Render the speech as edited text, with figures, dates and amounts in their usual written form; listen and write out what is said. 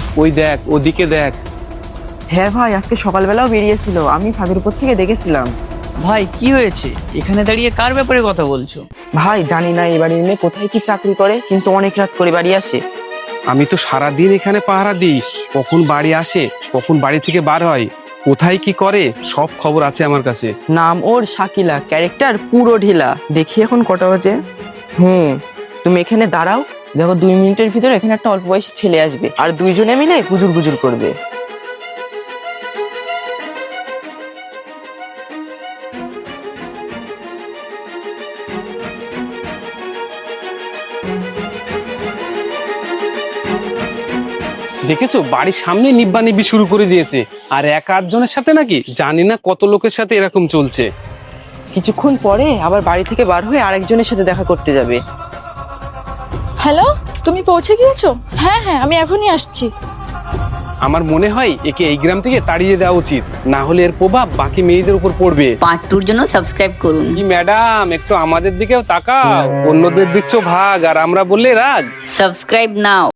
ওই দেখ, ওদিকে দেখ। হ্যাঁ ভাই, আজকে সকালবেলাও বেরিয়েছিল, আমি ছাদের উপর থেকে দেখেছিলাম। ভাই কি হয়েছে? এখানে দাঁড়িয়ে কার ব্যাপারে কথা বলছো? ভাই জানি না এই বাড়ির মেয়ে কোথায় কি চাকরি করে, কিন্তু অনেক রাত করে বাড়ি আসে। আমি তো সারাদিন এখানে পাহারা দিই, কখন বাড়ি আসে কখন বাড়ি থেকে বার হয়, কোথায় কি করে সব খবর আছে আমার কাছে। নাম ওর শাকিলা, ক্যারেক্টার পুরো ঢিলা। দেখি এখন কটা বাজে। তুমি এখানে দাঁড়াও, দেখো 2 মিনিটের ভিতরে এখানে একটা অল্প বয়সী ছেলে আসবে, আর দুইজনে মিলে গুজুর গুজুর করবে। দেখেছো, বাড়ির সামনে নিব্বা নিব্বি শুরু করে দিয়েছে, আর এক আধজনের সাথে নাকি জানি না কত লোকের সাথে এরকম চলছে। কিছুক্ষণ পরে আবার বাড়ি থেকে বার হয়ে আরেকজনের সাথে দেখা করতে যাবে। হ্যালো, তুমি পৌঁছে গিয়েছো? হ্যাঁ হ্যাঁ, আমি এখনই আসছি। আমার মনে হয় একে এই গ্রাম থেকে তাড়িয়ে দেওয়া উচিত, না হলে এর প্রভাব বাকি মেয়েদের উপর পড়বে। পার্ট 2 এর জন্য সাবস্ক্রাইব করুন। কি ম্যাডাম, একটু আমাদের দিকেও তাকাও, অন্যদের দিচ্ছ ভাগ আর আমরা বললে রাগ। সাবস্ক্রাইব নাও।